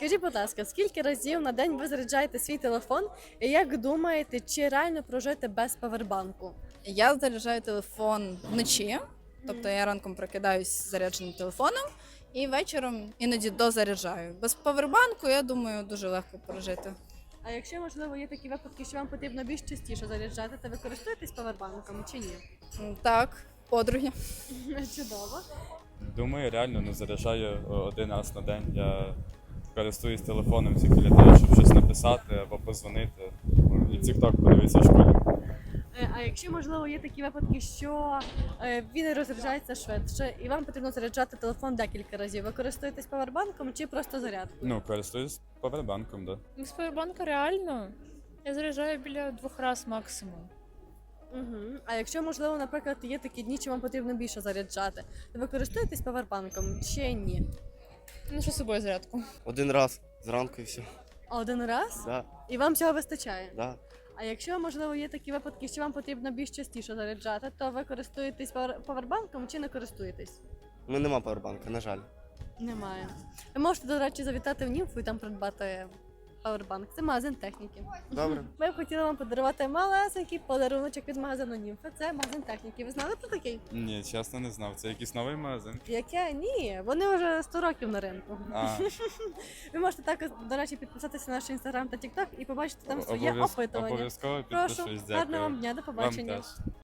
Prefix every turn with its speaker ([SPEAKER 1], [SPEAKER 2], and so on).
[SPEAKER 1] Скажіть, будь ласка, скільки разів на день ви заряджаєте свій телефон? І як думаєте, чи реально прожити без павербанку?
[SPEAKER 2] Я заряджаю телефон вночі, тобто я ранком прокидаюсь з зарядженим телефоном і вечором іноді дозаряджаю. Без павербанку, я думаю, дуже легко прожити.
[SPEAKER 1] А якщо, можливо, є такі випадки, що вам потрібно більш частіше заряджати, то ви користуєтесь павербанком чи ні?
[SPEAKER 2] Так, подруги.
[SPEAKER 1] Чудово.
[SPEAKER 3] Думаю, реально не заряджаю один раз на день. Я користуюсь телефоном тільки для того, щоб щось написати або позвонити. І TikTok подивитися в школі.
[SPEAKER 1] А якщо, можливо, є такі випадки, що він розряджається швидше, і вам потрібно заряджати телефон декілька разів, ви користуєтесь павербанком чи просто зарядкою?
[SPEAKER 3] Ну, користуюсь павербанком, да.
[SPEAKER 4] З павербанка реально. Я заряджаю біля 2 разів максимум.
[SPEAKER 1] Угу. А якщо, можливо, наприклад, є такі дні, чи вам потрібно більше заряджати, то ви користуєтесь павербанком чи ні?
[SPEAKER 4] Ношу з собою зарядку.
[SPEAKER 5] Один раз зранку і все.
[SPEAKER 1] Один раз?
[SPEAKER 5] Да,
[SPEAKER 1] І вам цього вистачає?
[SPEAKER 5] да.
[SPEAKER 1] А якщо, можливо, є такі випадки, що вам потрібно більш частіше заряджати, то ви користуєтесь павербанком чи не користуєтесь?
[SPEAKER 5] Ну нема павербанка, на жаль.
[SPEAKER 1] Немає. Ви можете, до речі, завітати в Німфу і там придбати павербанк. Це магазин техніки.
[SPEAKER 5] Добре.
[SPEAKER 1] Ми б хотіли вам подарувати малесенький подаруночок від магазину Німфа. Це магазин техніки. Ви знали про такий?
[SPEAKER 3] Ні, чесно не знав. Це якийсь новий магазин.
[SPEAKER 1] Яке? Ні, вони вже 100 років на ринку.
[SPEAKER 3] А,
[SPEAKER 1] Ви можете також, до речі, підписатися на наш інстаграм та тікток і побачити там своє
[SPEAKER 3] обов'язково
[SPEAKER 1] опитування.
[SPEAKER 3] підпишусь,
[SPEAKER 1] Прошу,
[SPEAKER 3] дякую.
[SPEAKER 1] гарного вам дня, до
[SPEAKER 3] Вам
[SPEAKER 1] побачення.
[SPEAKER 3] теж.